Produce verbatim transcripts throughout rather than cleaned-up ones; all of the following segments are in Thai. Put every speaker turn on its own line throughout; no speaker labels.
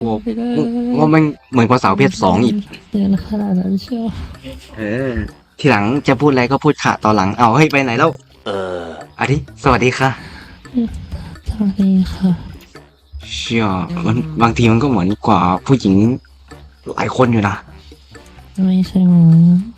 โว้
ไปได้
ว่ามันเหมือนกว่าสาวเพศสองอีก
เรียนขนาดนั้นเชียว
เออทีหลังจะพูดอะไรก็พูดค่ะตอนหลังเอาเฮ้ยไปไหนแล้วเอออาทิสวัสดีค่ะ
สวัสดีค่ะ
เชี่ยมันบางทีมันก็เหมือนกว่าผู้หญิงหลายคนอยู่นะ
ไม่ใช่หมอ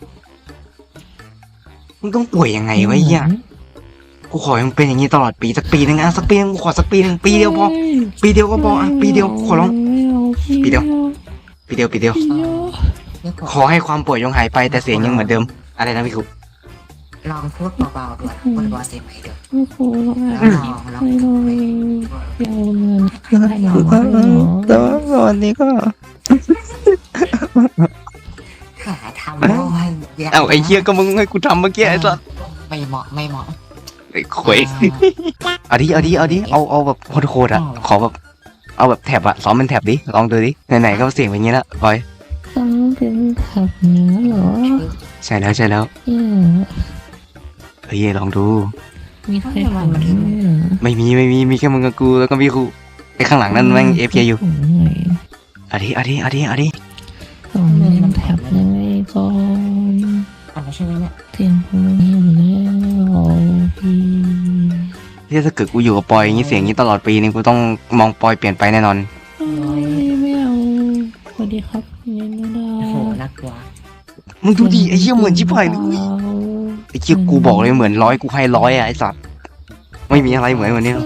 มึงต้องป่วยยังไงวะเหี้ยกูขอยังเป็นอย่างนี้ตลอดปีสักปีนึงอ่ะสักปีนึงกูขอสักปีนึงปีเดียวพอปีเดียวก็พออ่ะปีเดียวขอร้องปีเดียวปีเดียวปีเดียวขอให้ความป่วยยงหายไปแต่เสียงยังเหมือนเดิมอะไรนะพี่ครู
ลองพูดเบาๆด้วยพูดเบาๆเสียงไหมเดี๋ยว
ไม่ครูหรอก
แล้วลองลอง
ไม่เลยเดี๋ยวเงินให้หมอ
แต่ว่าวันนี้ก็
หาทำได้ยาก
เอ้าไอ้เหี้ยก็มึงให้กูทำเมื่อกี้ไอ้สัส
ไม่เหมาะไม่เหมาะ
ไอ้ขวยเอาดิเอาดิเอาดิเอาเอาแบบโคตรๆอ่ะขอแบบเอาแบบแถบอะซ้อมเป็นแถบดิลองดูดิไหนๆก็เสียงเป็นอย่างนี้แล้วบอย
ต้องเป็นขับเนื้อเหรอ
ใช่แล้วใช่แล้ว
เอี่ย
เฮ้ยลองดู
มีใครขับไหมอ่ะ
ไม่มีไม่มีมีแค่มึงกับกูแล้วก็พี่ครูไอ้ข้างหลังนั่นแม่งเอฟเคอยู่
ผมเหนื่อย
เอาดิเอาดิเอาดิเอาดิ
สองเล่นแท็บยังไงก่อน
อันนั้นใช่ไหมเนี่ย
เสียงผมไม่อยู่แล้วพี่
ที่ถ้าเกิดกูอยู่กับปอยอย่างนี้เสียงอย่างนี้ตลอดปีนึงกูต้องมองปอยเปลี่ยนไปแน่นอน
ไม่เอาสวัสดีครับยังไม่ได้
โอ้โหน่ากลัว
มึงดูดิไอ้เหี้ยเหมือนชิบหายเลยไอ้เหี้ยกูบอกเลยเหมือนร้อยกูให้ร้อยอะไอ้สัตว์ไม่มีอะไรเหมือนวันนี้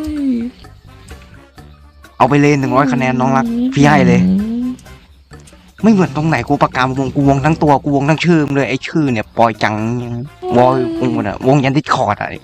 เอาไปเลยหนึ่งร้อยคะแนนน้องรักพี่ให้เลย ไม่เหมือนตรงไหนกูประกาศวงกูวงทั้งตัวกูวงทั้งชื่อเลยไอ้ชื่อเนี่ยปอยจังวอยวงมันอะวงยันดิสคอร์ดอะ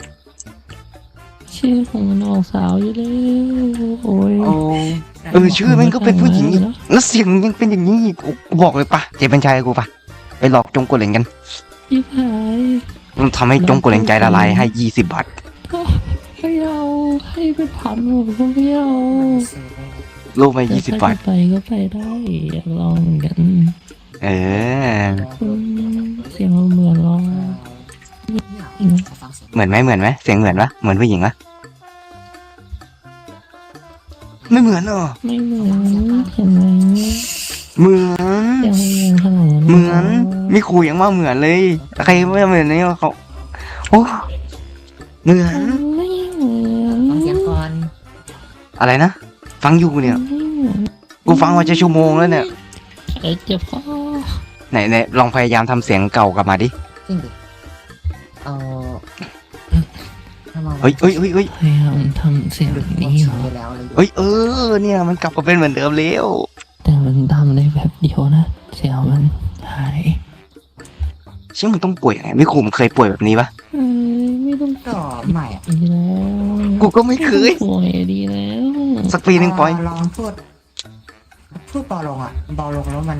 ชื่อของมันออกสาวอยู่แล้วโอ้ย
เออชื่อมันก็เป็นผู้หญิงอีกแล้วเสียงยังเป็นอย่างนี้อีกกูบอกเลยปะเจเป็นชายกูปะไปหลอกจงกดเหลงกัน
พี่พาย
มันทำให้จงกดเหลงใจละลายให้ยี่สิบบาท
ไม่เอาให้เป็นพันผมก็ไม่เอา
ซื้อได้
โลกไปยี่สิบบาท
ไปก็ไปได้อยากลองเหมือนกัน
เออ
อืมเสียงมันเหมือนลอง
ขอฟังเสียง
เหมือนไหมเหมือนไหมเสียงเหมือนปะเหมือนผู้หญิงปะไม่เหมือนเหรอ
ไม่เหมือนเห็นไหม
เหมือน
เสียงมันยังขนาดนั้น
เหมือนมีครูยังว่าเหมือนเลยใครไม่เหมือนนี่เขาโอ้เหมือน
ไม่เหมือน
ฟังเสียงก่อน
อะไรนะฟังอยู่เนี่ย
ไม่เหมือน
กูฟังมาจะชั่วโมงแล้วเนี่ย
เอ้ยเจ็บคอ
ไหนไหนลองพยายามทำเสียงเก่ากลับมาดิ
จริงดิเอาถ้ามอง
เฮ้ยเฮ้ยเฮ้ยเฮ้ย
พยายามทำเสียง
ดู
แบบ
นี้
นี้เหรอ
ไปแล้วเลย
เฮ้ยเออเนี่ยมันกลับมาเป็นเหมือนเดิมแล้ว
แต่มันทำได้แบบเดียวนะ เสียงมันหาย
เชื่อมันต้องป่วยยังไงไม่ครูมันเคยป่วยแบบนี้ปะ
เอ้ยไม่ต้อง
ก็ใหม่อะ
ดีแล้ว
กูก็ไม่เคย
ป่วยดีแล้ว
สักปีหนึ่งปอย
ลองพูดพูดเบาลงอ่ะเบาลงแล้วมัน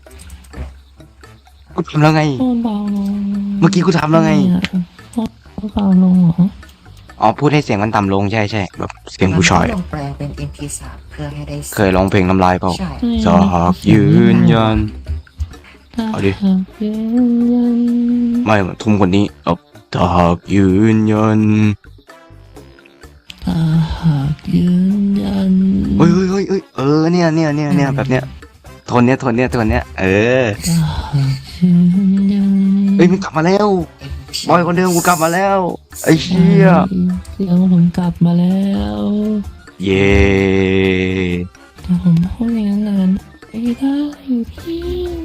กูทำแล้วไง
โอนเบาลง
เมื่อกี้กูทำแล้วไง
เนี่ยโอนเบาลงเหรอ
อ๋อพูดให้เสียงมันต่ำลงใช่ใช่แบบเสียงผู้ชาย
ลองแปลงเป็น เอ็ม พี สาม เพื่อให้ได้
เคยร้องเพลงน้ำลายเปล่า
ใช่
จากยืนยัน เอาดิ
หากยืนยัน
ไม่ทุ่มคนนี้เอาจากยืนยัน
ถ้าหากยืนยัน
เฮ้ยเฮ้ยเฮ้ยเฮ้ยเออเนี่ยเนี่ยเนี่ยเนี่ยแบบเนี้ยโทนเนี้ยโทนเนี้ยโทนเนี้ยเออ
ถ้าหากยืนยัน
เฮ้ยมันกลับมาแล้วบอยคนเดิมกูกลับมาแล้วไอ้เชี่ย
เสียงผมกลับมาแล้ว
เย่
แต่ผมพูดอย่างนั้นนานไม่ได้พี่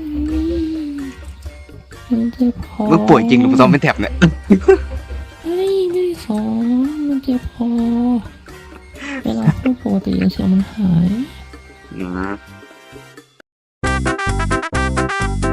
มันเจ็บคอ
มึงป่วยจริงหรือมึงซ้อมเป็นแถบเนี่ย
เฮ้ยไม่ได้สอนมันเจ็บคอเวลาพูดปกติเสียงมันหาย
อืม